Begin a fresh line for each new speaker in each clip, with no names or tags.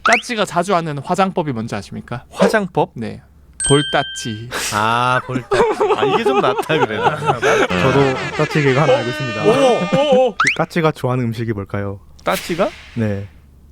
따찌가 자주 하는 화장법이 뭔지 아십니까?
화장법?
네. 볼따찌.
아, 볼따.
아 이게 좀 낫다 그래.
저도 따찌 개그 하나 알고 있습니다.
오.
그 따찌가 좋아하는 음식이 뭘까요?
따찌가?
네.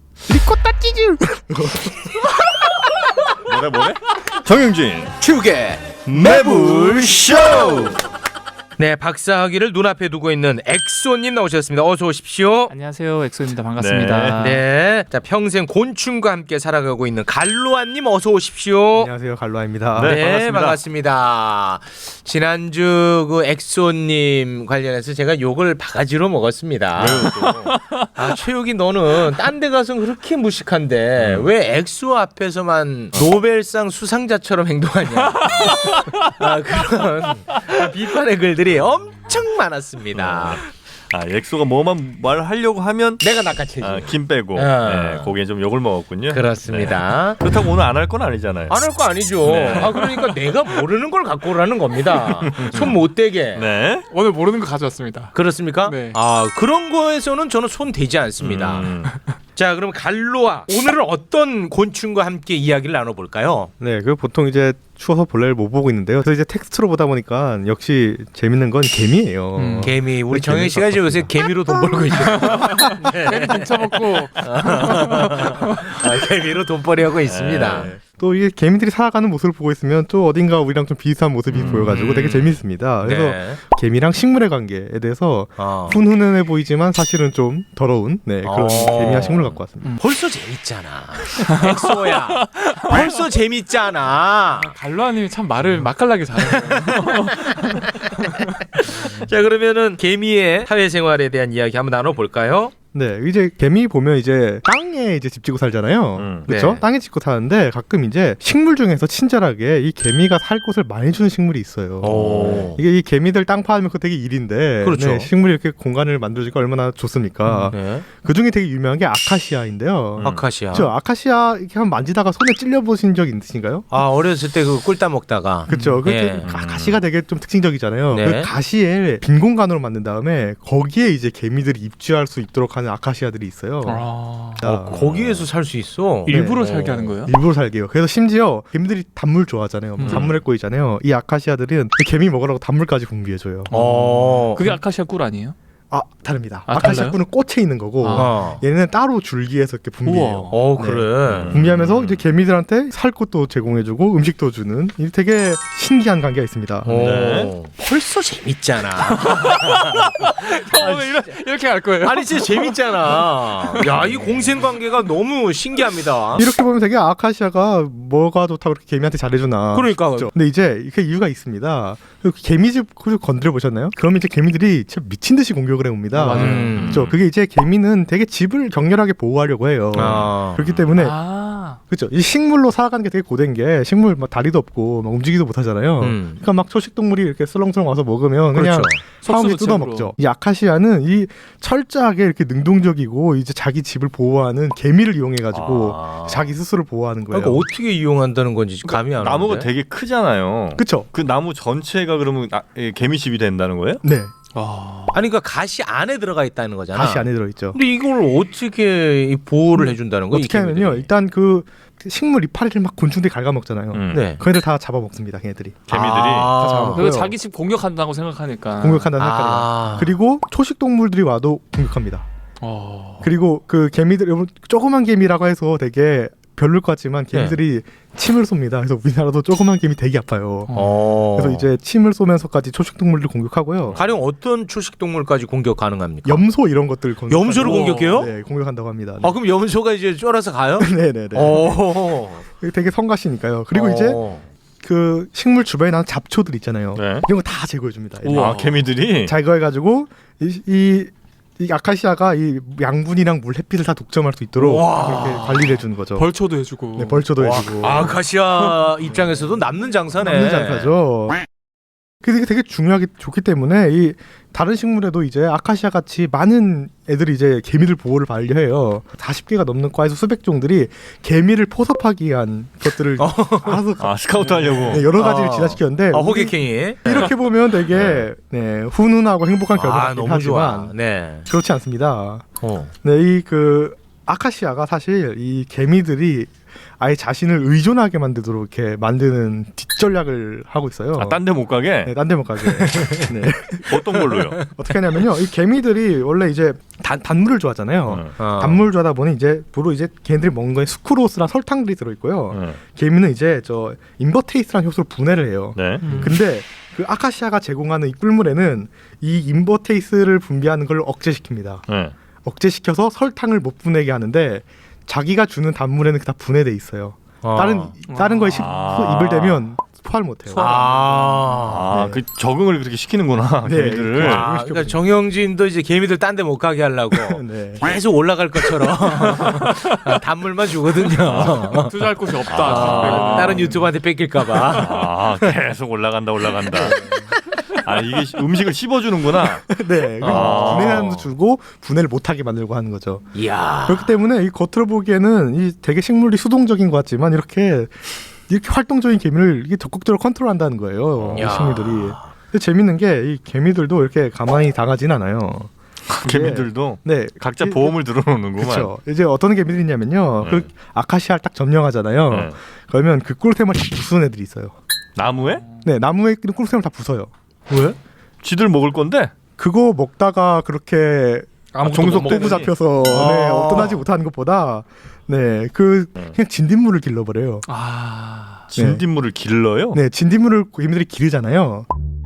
뭐래? 정영진
축의
매불쇼.
네, 박사학위를 눈앞에 두고 있는 엑소님 나오셨습니다. 어서 오십시오.
안녕하세요, 엑소입니다. 반갑습니다.
네, 자 평생 곤충과 함께 살아가고 있는 갈로아님 어서 오십시오.
안녕하세요, 갈로아입니다.
네.
반갑습니다. 지난주 그 엑소님 관련해서 제가 욕을 바가지로 먹었습니다. 아, 최욱이 너는 딴 데 가서 그렇게 무식한데 왜 엑소 앞에서만 노벨상 수상자처럼 행동하냐. 아, 그런 비판의 글들이 엄청 많았습니다.
아 엑소가 뭐만 말하려고 하면
내가 낚아채지.
김 빼고
아.
거기에 좀 욕을 먹었군요.
그렇습니다.
네. 그렇다고 오늘 안 할 건 아니잖아요.
안 할 거 아니죠.
네.
아, 그러니까 내가 모르는 걸 갖고 오라는 겁니다. 손 못 대게.
네.
오늘 모르는 거 가져왔습니다.
그렇습니까?
네.
아, 그런 거에서는 저는 손 대지 않습니다. 자, 그럼 갈로아 오늘은 어떤 곤충과 함께 이야기를 나눠볼까요?
네, 그 보통 이제 추워서 본래를 못 보고 있는데요. 그래서 이제 텍스트로 보다 보니까 역시 재밌는 건 개미예요.
개미. 우리
네,
정현 씨가
개미
요새 개미로 돈 벌고 있죠.
괜히 등쳐먹고.
개미로 돈벌이 하고 있습니다.
네.
또 이게 개미들이 살아가는 모습을 보고 있으면 또 어딘가 우리랑 좀 비슷한 모습이 보여가지고 되게 재밌습니다. 그래서
네.
개미랑 식물의 관계에 대해서 훈훈해 보이지만 사실은 좀 더러운 그런 개미와 식물을 갖고 왔습니다.
벌써 재밌잖아. 엑소야. 벌써 재밌잖아.
갈로아님이 참 말을 맛깔나게 잘해요.
자, 그러면은 개미의 사회생활에 대한 이야기 한번 나눠볼까요?
네, 이제 개미 보면 이제 땅에 이제 집 짓고 살잖아요. 그렇죠?
네.
땅에 짓고 사는데 가끔 이제 식물 중에서 친절하게 이 개미가 살 곳을 많이 주는 식물이 있어요.
오.
이게 이 개미들 땅 파면 그거 되게 일인데,
그렇죠.
네, 식물이 이렇게 공간을 만들어주니까 얼마나 좋습니까?
네.
그 중에 되게 유명한 게 아카시아인데요.
아카시아.
그렇죠? 아카시아 이렇게 한번 만지다가 손에 찔려 보신 적 있으신가요?
아, 어렸을 때 그 꿀 따먹다가.
그렇죠.
예.
가시가 되게 좀 특징적이잖아요.
네.
그 가시에 빈 공간으로 만든 다음에 거기에 이제 개미들이 입주할 수 있도록 하는 아카시아들이 있어요.
아,
거기에서 살 수 있어.
일부러 살게 하는 거예요?
일부러 살게요. 그래서 심지어 개미들이 단물 좋아하잖아요. 단물에 꼬이잖아요. 이 아카시아들은 그 개미 먹으라고 단물까지 분비해줘요.
그게 아카시아 꿀 아니에요?
아, 다릅니다.
아,
아카시아
달라요?
꿀은 꽃에 있는 거고 얘는 따로 줄기에서 이렇게 분비해요. 네.
그래.
분비하면서 이제 개미들한테 살 것도 제공해주고 음식도 주는 이 되게 신기한 관계가 있습니다.
네.
벌써 재밌잖아.
오늘 이렇게 할 거예요?
아니, 진짜 재밌잖아. 야, 이 공생관계가 너무 신기합니다.
이렇게 보면 되게 아카시아가 뭐가 좋다고 그렇게 개미한테 잘해주나.
그러니까.
그렇죠? 근데 이제 그 이유가 있습니다. 그 개미집 건드려 보셨나요? 그러면 이제 개미들이 진짜 미친 듯이 공격을 해옵니다. 그렇죠. 그게 이제 개미는 되게 집을 격렬하게 보호하려고 해요. 그렇기 때문에 그렇죠. 이 식물로 살아가는 게 되게 고된 게 식물 막 다리도 없고 막 움직이도 못하잖아요. 그러니까 막 초식 동물이 이렇게 슬렁슬렁 와서 먹으면 그냥
그렇죠.
사람이 뜯어 먹죠. 이 아카시아는 이 철저하게 이렇게 능동적이고 이제 자기 집을 보호하는 개미를 이용해가지고 자기 스스로 보호하는 거예요.
그러니까 어떻게 이용한다는 건지 감이 안 오는데.
나무가 되게 크잖아요.
그렇죠.
그 나무 전체가 그러면 개미집이 된다는 거예요?
네.
아니, 그러니까 가시 안에 들어가 있다는 거잖아.
가시 안에 들어있죠.
근데 이걸 어떻게 보호를 해준다는 거야?
어떻게 하면요. 일단 그 식물 이파리를 막 곤충들이 갉아먹잖아요.
네.
그 애들 다 잡아먹습니다. 걔네들이.
개미들이.
다 잡아먹고요.
그리고 자기 집 공격한다고 생각하니까.
공격한다는 생각이에요. 그리고 초식 동물들이 와도 공격합니다. 그리고 그 개미들, 여러분 조그만 개미라고 해서 되게 별로일 것 같지만 개미들이 침을 쏩니다. 그래서 우리나라도 조그만 개미 되게 아파요. 그래서 이제 침을 쏘면서까지 초식 동물들 공격하고요.
가령 어떤 초식 동물까지 공격 가능합니까?
염소 이런 것들
염소를 공격해요?
네, 공격한다고 합니다.
아, 그럼 염소가 이제 쫄아서 가요?
네네네. 되게 성가시니까요. 그리고 이제 그 식물 주변에 나는 잡초들 있잖아요.
네.
이런 거 다 제거해줍니다.
아, 개미들이
제거해가지고 이 아카시아가 이 양분이랑 물, 햇빛을 다 독점할 수 있도록 그렇게 관리를 해주는 거죠.
벌초도 해주고.
네, 벌초도 해주고.
아카시아 입장에서도 남는 장사네.
남는 장사죠. 그게 되게 중요하게 좋기 때문에 이 다른 식물에도 이제 아카시아 같이 많은 애들이 이제 개미들 보호를 반려해요. 40개가 넘는 과에서 수백 종들이 개미를 포섭하기 위한 것들을 알아서
스카우트 하려고
여러 가지를 진화시켰는데
호객행위.
이렇게 보면 되게 훈훈하고 행복한 결과가
너무
하지만
좋아. 네.
그렇지 않습니다. 네, 이 그 아카시아가 사실 이 개미들이 아예 자신을 의존하게 만들도록 이렇게 만드는 뒷전략을 하고 있어요.
아, 딴 데 못 가게?
네, 딴 데 못 가게. 네.
어떤 걸로요?
어떻게 하냐면요. 이 개미들이 원래 이제 단물을 좋아하잖아요.
어.
단물을 좋아하다 보니 이제 주로 이제 걔네들이 먹는 거에 수크로스랑 설탕들이 들어있고요.
네.
개미는 이제 저 인버테이스라는 효소를 분해를 해요.
네.
근데 그 아카시아가 제공하는 이 꿀물에는 이 인버테이스를 분비하는 걸 억제시킵니다.
네.
억제시켜서 설탕을 못 분해게 하는데 자기가 주는 단물에는 다 분해돼 있어요. 다른 거에 입을 대면 소화를 못해요.
아,
네.
그 적응을 그렇게 시키는구나
네.
개미들을.
아, 그러니까 정영진도 이제 개미들 딴 데 못 가게 하려고
네.
계속 올라갈 것처럼 단물만 주거든요.
투자할 곳이 없다.
아.
다른 유튜버한테 뺏길까봐.
아, 계속 올라간다. 아, 이게 음식을 씹어주는구나.
네,
아.
분해함도 주고 분해를 못하게 만들고 하는 거죠.
이야.
그렇기 때문에 이 겉으로 보기에는 이 되게 식물이 수동적인 것 같지만 이렇게 활동적인 개미를 이게 적극적으로 컨트롤한다는 거예요. 이
야.
식물들이. 근데 재밌는 게 이 개미들도 이렇게 가만히 당하진 않아요.
개미들도
네,
각자 보험을 들어놓는구만.
그렇죠. 이제 어떤 개미들이 있냐면요.
네.
그 아카시아를 딱 점령하잖아요.
네.
그러면 그 꿀템을 다 부수는 애들이 있어요.
나무에?
네, 나무에 있는 꿀템을 다 부숴요. 왜?
쥐들 먹을 건데?
그거 먹다가 그렇게 종속 도구 잡혀서 네, 어떠하지 못하는 것보다 네, 그냥 진딧물을 길러버려요.
아.
진딧물을 길러요?
네, 진딧물을 개미들이 기르잖아요.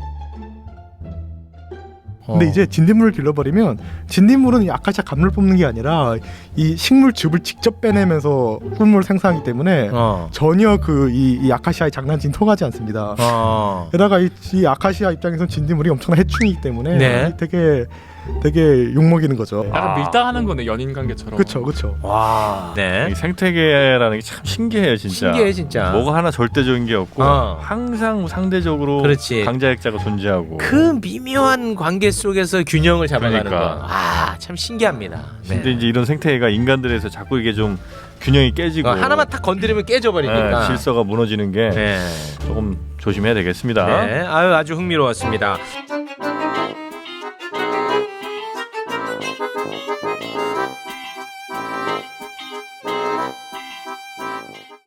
근데 이제 진딧물을 길러버리면 진딧물은 이 아카시아 감을 뽑는 게 아니라 이 식물 즙을 직접 빼내면서 꿀물을 생산하기 때문에 전혀 이 아카시아의 장난친 통하지 않습니다. 게다가 이 아카시아 입장에서는 진딧물이 엄청난 해충이기 때문에
네.
되게 욕먹이는 거죠.
약간 밀당하는 거네 연인 관계처럼.
그렇죠.
와. 네.
이 생태계라는 게 참 신기해요, 진짜.
신기해 진짜.
뭐가 하나 절대적인 게 없고
어.
항상 상대적으로
그렇지.
강자약자가 존재하고.
그 미묘한 관계 속에서 균형을 잡아가는
그러니까.
거. 아, 참 신기합니다.
근데 이제 이런 생태계가 인간들에서 자꾸 이게 좀 균형이 깨지고
하나만 탁 건드리면 깨져버리니까.
네, 질서가 무너지는 게
네.
조금 조심해야 되겠습니다.
네. 아주 흥미로웠습니다.